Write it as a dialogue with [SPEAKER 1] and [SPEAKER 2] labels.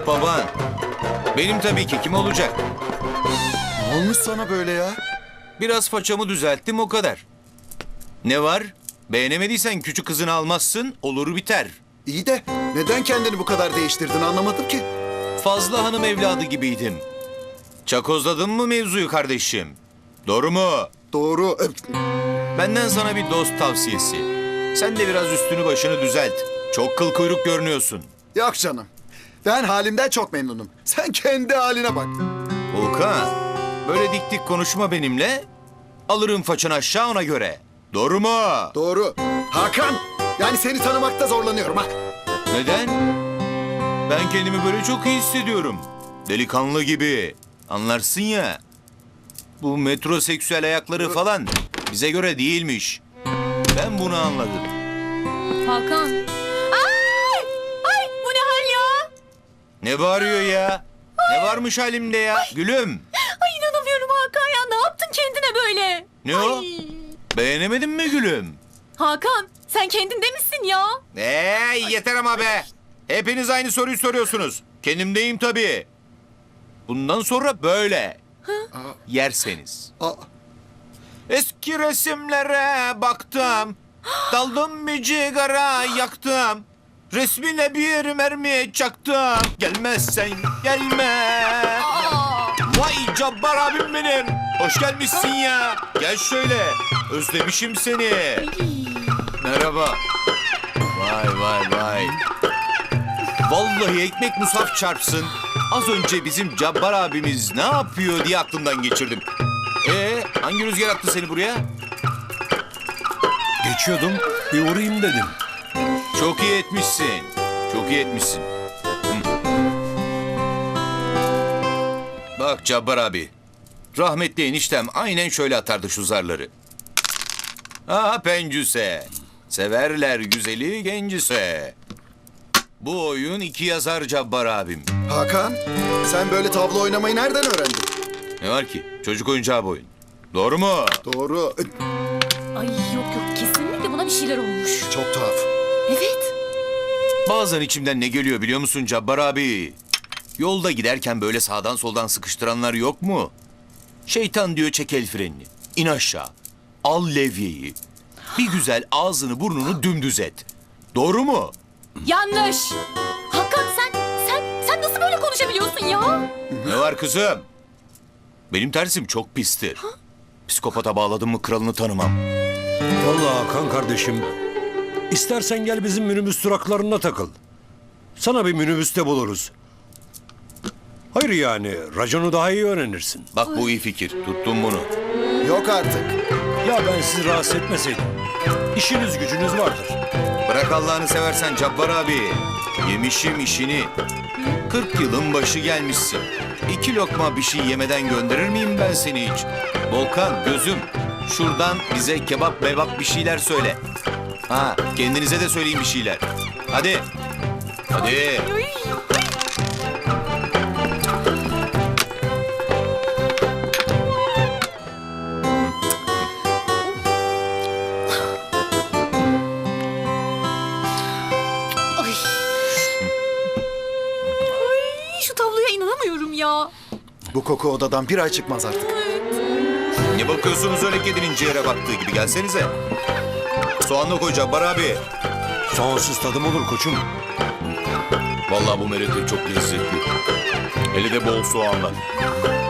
[SPEAKER 1] Yok baban. Benim tabii ki, kim olacak?
[SPEAKER 2] Ne olmuş sana böyle ya?
[SPEAKER 1] Biraz façamı düzelttim, o kadar. Ne var? Beğenemediysen küçük kızını almazsın, olur biter.
[SPEAKER 2] İyi de neden kendini bu kadar değiştirdin anlamadım ki.
[SPEAKER 1] Fazla hanım evladı gibiydim. Çakozladın mı mevzuyu kardeşim? Doğru mu?
[SPEAKER 2] Doğru.
[SPEAKER 1] Benden sana bir dost tavsiyesi. Sen de biraz üstünü başını düzelt. Çok kıl kuyruk görünüyorsun.
[SPEAKER 2] Yok canım. Ben halimden çok memnunum. Sen kendi haline bak.
[SPEAKER 1] Volkan, böyle dik dik konuşma benimle. Alırım façanı aşağı, ona göre. Doğru mu?
[SPEAKER 2] Doğru. Hakan! Yani seni tanımakta zorlanıyorum ha.
[SPEAKER 1] Neden? Ben kendimi böyle çok iyi hissediyorum. Delikanlı gibi. Anlarsın ya. Bu metroseksüel ayakları falan bize göre değilmiş. Ben bunu anladım.
[SPEAKER 3] Hakan. Ay! Ay bu ne hal ya?
[SPEAKER 1] Ne bağırıyor ya? Ne varmış halimde ya? Gülüm.
[SPEAKER 3] Ay inanamıyorum Hakan ya. Ne yaptın kendine böyle?
[SPEAKER 1] Ne o?
[SPEAKER 3] Ay.
[SPEAKER 1] Beğenemedin mi gülüm?
[SPEAKER 3] Hakan sen kendinde misin ya?
[SPEAKER 1] Yeter ama be. Hepiniz aynı soruyu soruyorsunuz. Kendimdeyim tabii. Bundan sonra böyle. Yerseniz.
[SPEAKER 2] Aa,
[SPEAKER 1] Eski resimlere baktım. Daldım bir cigara yaktım. Resmine bir mermi çaktım. Gelmezsen gelme. Vay Cabbar abim benim. Hoş gelmişsin ya. Gel şöyle. Özlemişim seni. Merhaba. Vay vay vay. Vallahi ekmek musaf çarpsın. Az önce bizim Cabbar abimiz ne yapıyor diye aklımdan geçirdim. Hangi rüzgar attı seni buraya?
[SPEAKER 4] Geçiyordum, bir uğrayayım dedim.
[SPEAKER 1] Çok iyi etmişsin. Çok iyi etmişsin. Bak Cabbar abi. Rahmetli eniştem aynen şöyle atardı şu zarları. Pencüse. Severler güzeli gencise. Bu oyun iki yazar Cabbar abim.
[SPEAKER 2] Hakan, sen böyle tavla oynamayı nereden öğrendin?
[SPEAKER 1] Ne var ki? Çocuk oyuncağı bu oyun. Doğru mu?
[SPEAKER 2] Doğru.
[SPEAKER 3] Ay yok kesinlikle buna bir şeyler olmuş.
[SPEAKER 2] Çok tuhaf.
[SPEAKER 3] Evet.
[SPEAKER 1] Bazen içimden ne geliyor biliyor musun Cabbar abi? Yolda giderken böyle sağdan soldan sıkıştıranlar yok mu? Şeytan diyor çek el frenini. İn aşağı. Al levyeyi. Bir güzel ağzını burnunu dümdüz et. Doğru mu?
[SPEAKER 3] Yanlış. Hakan sen nasıl böyle konuşabiliyorsun ya?
[SPEAKER 1] Ne var kızım? Benim tersim çok pistir. Psikopata bağladım mı kralını tanımam.
[SPEAKER 4] Vallahi Hakan kardeşim, istersen gel bizim minibüs duraklarına takıl. Sana bir minibüste buluruz. Hayır yani, raconu daha iyi öğrenirsin.
[SPEAKER 1] Bak bu iyi fikir. Tuttum bunu.
[SPEAKER 2] Yok artık.
[SPEAKER 4] Ya ben sizi rahatsız etmeseydim. İşiniz gücünüz vardır.
[SPEAKER 1] Bırak Allah'ını seversen Cabbar abi. Yemişim işini. 40 yılın başı gelmişsin. 2 lokma bir şey yemeden gönderir miyim ben seni hiç? Volkan gözüm, şuradan bize kebap bebap bir şeyler söyle. Kendinize de söyleyin bir şeyler. Hadi. Hadi.
[SPEAKER 3] Ay. Ay şu tabloya inanamıyorum ya.
[SPEAKER 2] Bu koku odadan bir ay çıkmaz artık.
[SPEAKER 1] Ne bakıyorsunuz öyle kedinin ciğere baktığı gibi, gelsenize. Soğanla koy Cabbar abi.
[SPEAKER 4] Soğansız tadım olur koçum.
[SPEAKER 1] Vallahi bu merete çok lezzetli. Hele de bol soğanla.